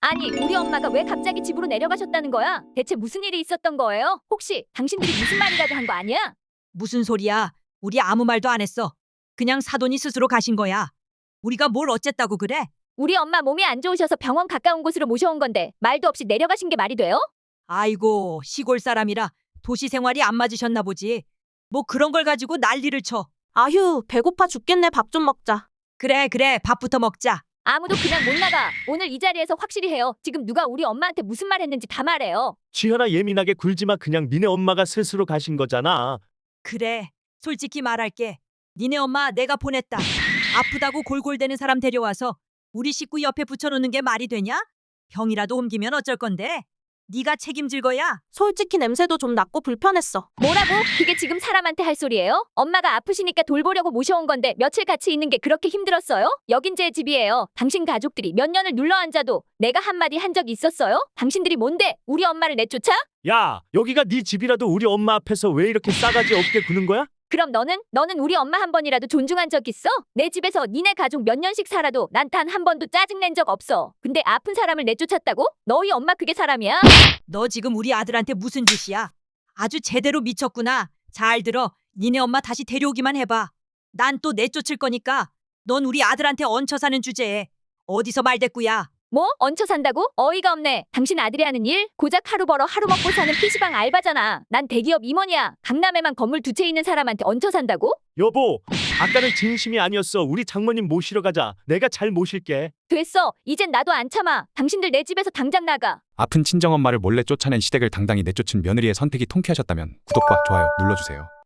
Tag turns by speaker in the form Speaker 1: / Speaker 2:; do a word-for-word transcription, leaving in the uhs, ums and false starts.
Speaker 1: 아니, 우리 엄마가 왜 갑자기 집으로 내려가셨다는 거야? 대체 무슨 일이 있었던 거예요? 혹시 당신들이 무슨 말이라도 한 거 아니야?
Speaker 2: 무슨 소리야? 우리 아무 말도 안 했어. 그냥 사돈이 스스로 가신 거야. 우리가 뭘 어쨌다고 그래?
Speaker 1: 우리 엄마 몸이 안 좋으셔서 병원 가까운 곳으로 모셔온 건데 말도 없이 내려가신 게 말이 돼요?
Speaker 2: 아이고, 시골 사람이라 도시 생활이 안 맞으셨나 보지. 뭐 그런 걸 가지고 난리를 쳐.
Speaker 3: 아휴, 배고파 죽겠네. 밥 좀 먹자.
Speaker 2: 그래, 그래, 밥부터 먹자.
Speaker 1: 아무도 그냥 못 나가. 오늘 이 자리에서 확실히 해요. 지금 누가 우리 엄마한테 무슨 말 했는지 다 말해요.
Speaker 4: 지현아 예민하게 굴지마. 그냥 니네 엄마가 스스로 가신 거잖아.
Speaker 2: 그래, 솔직히 말할게. 니네 엄마 내가 보냈다. 아프다고 골골대는 사람 데려와서 우리 식구 옆에 붙여놓는 게 말이 되냐? 병이라도 옮기면 어쩔 건데? 네가 책임질 거야?
Speaker 3: 솔직히 냄새도 좀 났고 불편했어.
Speaker 1: 뭐라고? 그게 지금 사람한테 할 소리예요? 엄마가 아프시니까 돌보려고 모셔온 건데 며칠 같이 있는 게 그렇게 힘들었어요? 여긴 제 집이에요. 당신 가족들이 몇 년을 눌러앉아도 내가 한마디 한 적 있었어요? 당신들이 뭔데 우리 엄마를 내쫓아?
Speaker 4: 야, 여기가 네 집이라도 우리 엄마 앞에서 왜 이렇게 싸가지 없게 구는 거야?
Speaker 1: 그럼 너는? 너는 우리 엄마 한 번이라도 존중한 적 있어? 내 집에서 니네 가족 몇 년씩 살아도 난 단 한 번도 짜증낸 적 없어. 근데 아픈 사람을 내쫓았다고? 너희 엄마 그게 사람이야?
Speaker 2: 너 지금 우리 아들한테 무슨 짓이야? 아주 제대로 미쳤구나. 잘 들어. 니네 엄마 다시 데려오기만 해봐. 난 또 내쫓을 거니까 넌 우리 아들한테 얹혀 사는 주제에 어디서 말대꾸야.
Speaker 1: 뭐? 얹혀 산다고? 어이가 없네. 당신 아들이 하는 일? 고작 하루 벌어 하루 먹고 사는 피시방 알바잖아. 난 대기업 임원이야. 강남에만 건물 두 채 있는 사람한테 얹혀 산다고?
Speaker 4: 여보, 아까는 진심이 아니었어. 우리 장모님 모시러 가자. 내가 잘 모실게.
Speaker 1: 됐어. 이젠 나도 안 참아. 당신들 내 집에서 당장 나가.
Speaker 5: 아픈 친정엄마를 몰래 쫓아낸 시댁을 당당히 내쫓은 며느리의 선택이 통쾌하셨다면 구독과 좋아요 눌러주세요.